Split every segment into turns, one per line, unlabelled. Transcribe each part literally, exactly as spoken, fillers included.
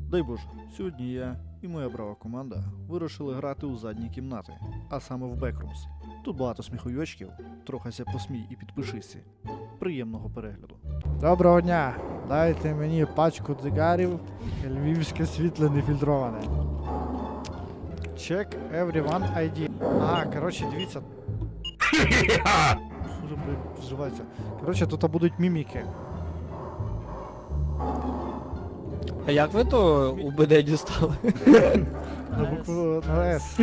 Дай Боже, сьогодні я і моя брава команда вирішили грати у задні кімнати, а саме в Backrooms. Тут багато сміхуйочків, трохися посмій і підпишися. Приємного перегляду. Доброго дня! Дайте мені пачку цигарів, львівське світле нефільтроване. Check everyone ай ді. А, коротше, дивіться. Що ж, блядь, вживається? Коротше, тут будуть міміки.
А як ви то у БД дістали?
На букву на С.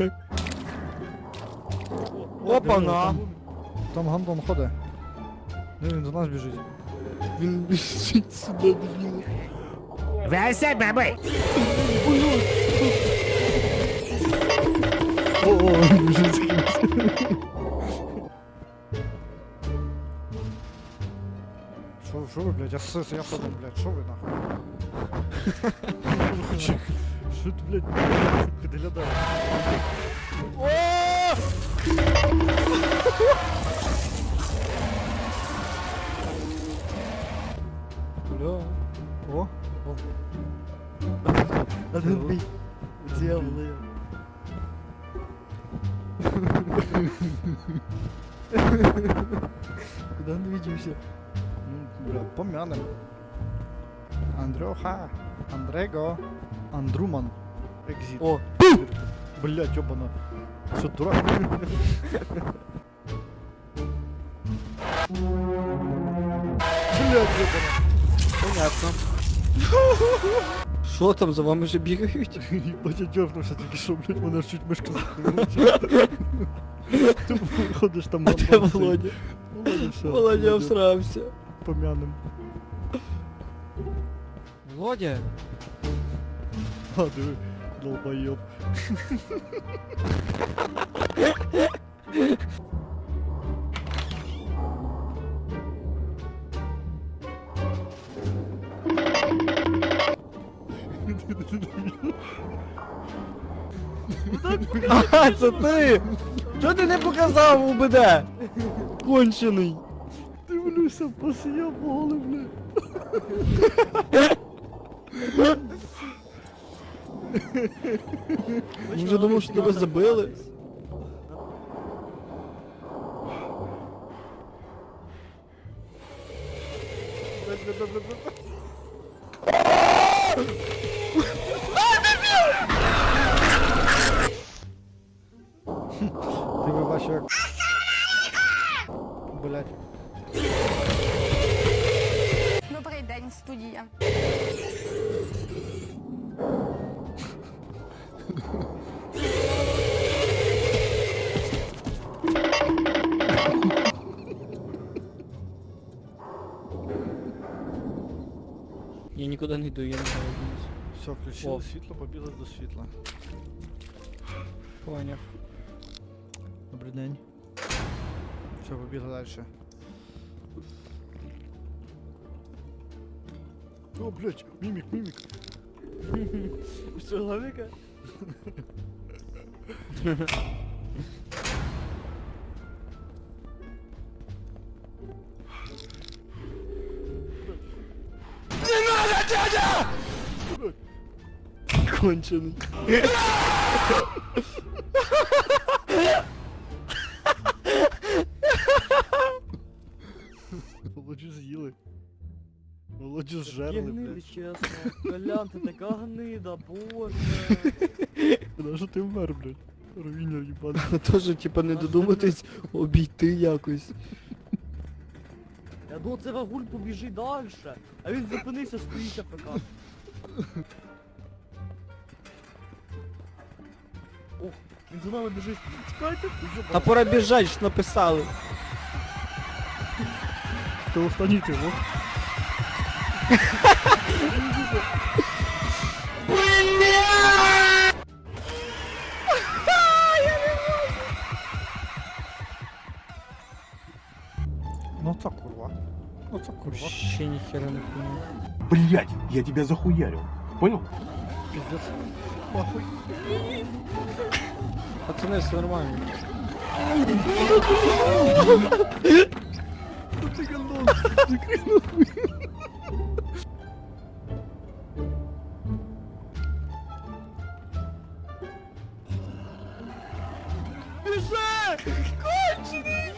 Опа-на!
Там гандон ходить. Ну він до нас біжить.
Він біжить сюди, блін.
Вася, бабай!
О, о, він біжить з кимось. Шо, шо ви, блядь, я сис, я подам, блядь, шо ви нахуй? Що ти, блядь, підглядає?
Бля.
О,
О. Надо бить. Дьяволи. Куда он виделся?
ну, бля, помянем. Андрюха, Андрего, Андруман, Экзит.
О!
Блядь, ёбана. Что, дурак? Блядь, ёбана.
Понятно. Що там за вами вже бігають?
Ебать, я дёрнувся тільки що, блядь, мене чуть мишка закрила. Ти ходиш там
А
на
де
бабці.
Володя?
Володя, що?
Володя всрався.
Помянем.
Володя?
А, диви, долбоёб.
Ага, це ти! Чого ти не показав у БД? Кончений.
Дивлюся, посіяв голи, блядь.
Я вже думав, що тебе забили.
Ти ви бачив, як... Блядь.
Добрий день, студія.
Я нікуди не йду, я не знаю.
Все, включили
О.
світло, побігли до світла.
Поняв.
Добрий день. Все, побігли дальше. О, блядь, мімік, мімік.
Що, лавіка? Кончений.
Володю з'їли. Володю зжерли,
Гнида,
блядь.
чесно. Колян, ти така гнида, боже.
Куди ж ти вмер, блядь? Руїнер їбаний.
Тоже, типа, не додуматись обійти якось.
Я думав, це Вагуль побіжить далі. А він зупинився, стоїть АФК. Ох, він за нами біжить. Чекайте,
Та пора біжать, ж написали.
Ти останній ти, о? Ну це курва. Ну це курва.
Ще ніхера не понял.
Блять, я тебя захуярил. Понял?
Пиздец. Нахуй.
Пацани, все нормально.
Ты гандон, закрой нахуй.
Біжи! Кончений!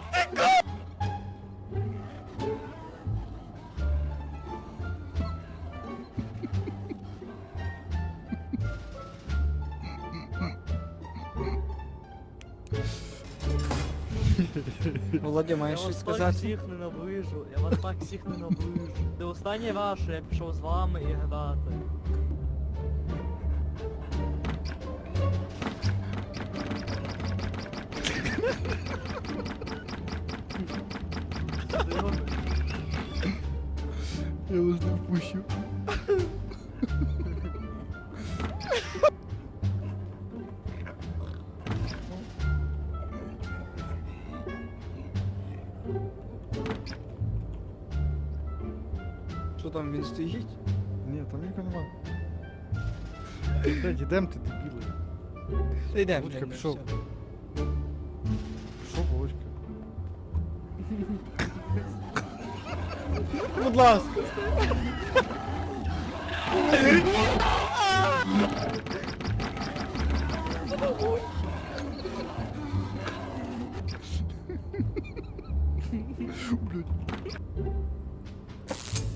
Володя,
Я
маєш
вас
щось
так
сказати?
всіх ненавижу, я вас так всіх ненавижу. Це останній раз, що я пішов з вами і грати. Ти робиш?
Я вас не впущу.
Що там він стоїть?
Ні, там нікого нема. Блядь, ідем ти, дебіли.
Та йдемо.
Володька
йдемо,
пішов.
все.
Що, Володька?
Будь ласка.
Блядь.